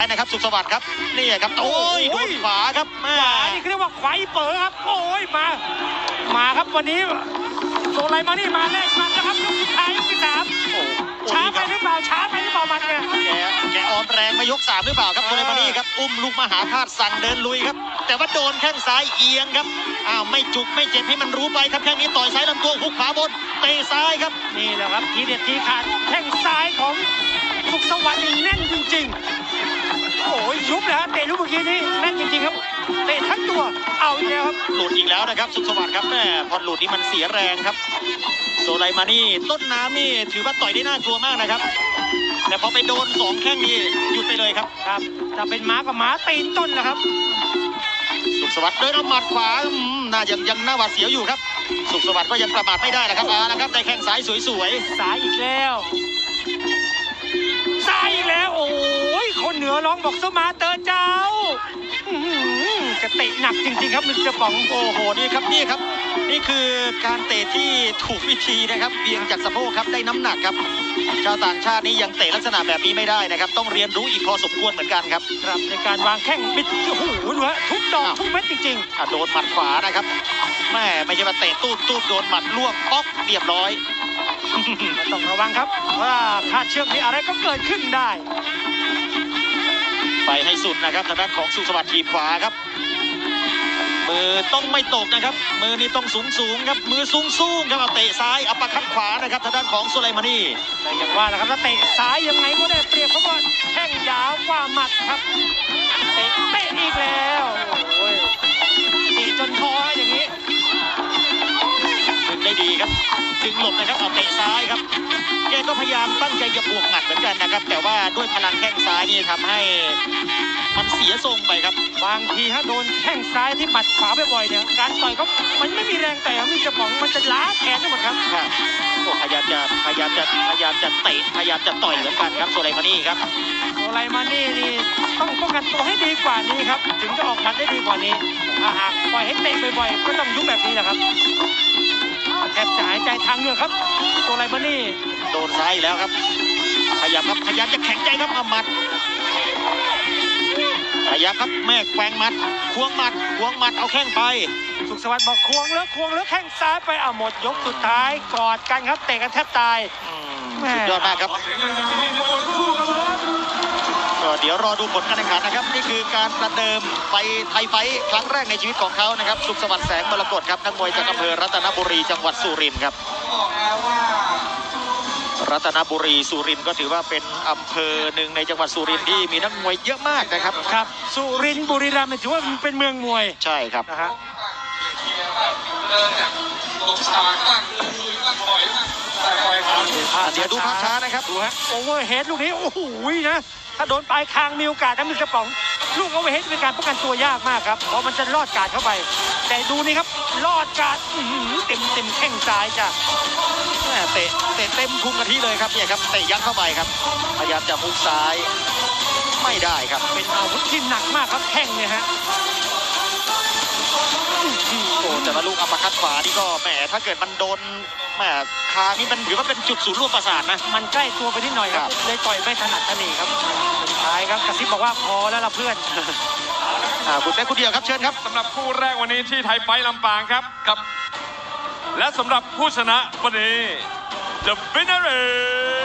นะครับสุขสวัสดิ์ครับนี่ครับโอ้ยโดนขวาครับขวานี่เรียกว่าไขว้เป๋อครับโอ้ยมาครับวันนี้โซไลมานี่มาแรกมันนะครับยกสุดท้ายยกที่3ช้าไปหรือเปล่ามันเนี่ยแกออมแรงมายก3หรือเปล่าครับโซไลมานี่ครับอุ้มลูกมหาธาตุสั่งเดินลุยครับแต่ว่าโดนแข้งซ้ายเอียงครับไม่จุกไม่เจ็บให้มันรู้ไปครับแข้งนี้ต่อยซ้ายลำตัวหุกขวาบนเตะซ้ายครับนี่แหละครับทีเด็ดทีขาดแข้งซ้ายของสุขสวัสดิ์นี่แน่นจริงๆโอ้ยยุบเลยฮะเตะลูกเมื่อกี้นี้แน่นจริงๆครับเตะทั้งตัวเอาอีกแล้วครับหลุดอีกแล้วนะครับสุขสวัสดิ์ครับแม่พอหลุดนี่มันเสียแรงครับโซไลมานี่ต้นน้ำนี่ถือว่าต่อยได้น่ากลัวมากนะครับแต่พอไปโดน2แข้งนี่หยุดไปเลยครับถ้าเป็นม้ากับม้าตีนต้นนะครับสุขสวัสดิ์เดินเอาหมัดขวาน่ายังหน้าหวาดเสียวอยู่ครับสุขสวัสดิ์ก็ยังประมาทไม่ได้นะครับนะครับได้แข้งซ้ายสวยๆซ้ายอีกแล้วโอ้ยคนเหนือร้องบอกสมาเตอร์เจ้าจะเตะหนักจริงๆครับมิสเตอร์ป๋องโอ้โหนี่ครับนี่คือการเตะที่ถูกวิธีนะครับเบี่ยงจากสะโพกครับได้น้ำหนักครับชาวต่างชาตินี่ยังเตะลักษณะแบบนี้ไม่ได้นะครับต้องเรียนรู้อีกพอสมควรเหมือนกันครับในการวางแข้งบิดโอ้โหดูฮะทุกดอกทุกเม็ดจริงๆโดนหมัดขวานะครับแม่ไม่ใช่มาเตะตู้โดนหมัดล่วงป๊อกเรียบร้อยต้องระวังครับว่าขาดเชือกนี้อะไรก็เกิดขึ้นได้ไปให้สุดนะครับทางด้านของสุขสวัสดิ์ทีขวาครับมือต้องไม่ตกนะครับมือนี้ต้องสูงครับมือสูงครับเอาเตะซ้ายอัปคัดขวานะครับทางด้านของโซไลมานีแต่อย่างว่านะครับถ้าเตะซ้ายยังไงก็ได้เปรียบเพราะว่าแข้งยาวกว่าหมัดครับเตะอีกแล้วโอ้ยตีจนท้ออย่างนี้ดึงได้ดีครับดึงหลบนะครับเอาเตะซ้ายครับแกก็พยายามตั้งใจจะบวกหมัดเหมือนกันนะครับแต่ว่าด้วยพลังแข้งซ้ายนี่ทำให้มันเสียทรงไปครับบางทีถ้าโดนแข้งซ้ายที่หมัดขวาบ่อยๆเนี่ยการต่อยก็มันไม่มีแรงแต่มีกระป๋องมันจะล้าแขนทั้งหมดครับพยายามจะเตะพยายามจะต่อยเหมือนกันครับโซไลมานี่ครับโซไลมานี่นี่ต้องป้องกันตัวให้ดีกว่านี้ครับถึงจะออกหมัดได้ดีกว่านี้ถ้าหากปล่อยให้เตะบ่อยๆก็ต้องยุบแบบนี้แหละครับแทบจะหายใจทางเหงือกครับโซไลมานี่โดนซ้ายแล้วครับพยายามจะแข็งใจครับหมัดพยายามครับแม่แกว่งหมัดควงหมัดเอาแข้งไปสุขสวัสดิ์บอกควงแล้วแข้งซ้ายไปหมดยกสุดท้ายกอดกันครับเตะกันแทบตายสุดยอดมากครับก็เดี๋ยวรอดูผลการแข่งขันนะครับนี่คือการประเดิมไฟไทยไฟครั้งแรกในชีวิตของเขานะครับสุขสวัสดิ์แสงมรกตครับนักมวยจากอำเภอรัตนบุรีจังหวัดสุรินทร์ครับรัตนบุรีสุรินทร์ก็ถือว่าเป็นอำเภอหนึ่งในจังหวัดสุรินทร์ที่มีนักมวยเยอะมากนะครับสุรินทร์บุรีรัมย์ถือว่าเป็นเมืองมวยใช่ครับนะฮะเดี๋ยวดูภาพช้านะครับดูฮะโอเวอร์เฮดลูกนี้โอ้โหนะถ้าโดนปลายคางมีโอกาสนะมือกระป๋องลูกโอเวอร์เฮดเป็นการป้องกันตัวยากมากครับเพราะมันจะลอดกาดเข้าไปแต่ดูนี่ครับลอดกาดเต็มแข้งซ้ายจ้ะเตะเต็มพุงกะทิเลยครับเนี่ยครับเตะยัดเข้าไปครับพยายามจะมุกซ้ายไม่ได้ครับเป็นอาวุธที่หนักมากครับแข้งเนี่ยฮะโอ้แต่ว่าลูกอัปคัดขวานี่ก็แหมถ้าเกิดมันโดนแหมคางนี่มันถือว่าเป็นจุดศูนย์รวมประสาทนะมันใกล้ตัวไปนิดหน่อยครับเลยต่อยไม่ถนัดทนีครับสุดท้ายครับกระซิบบอกว่าพอแล้วล่ะเพื่อนคุณเป๊กคุณเดียวครับเชิญครับสำหรับคู่แรกวันนี้ที่ไทยไฟท์ลำปางครับและสำหรับผู้ชนะวันนี้ The winner is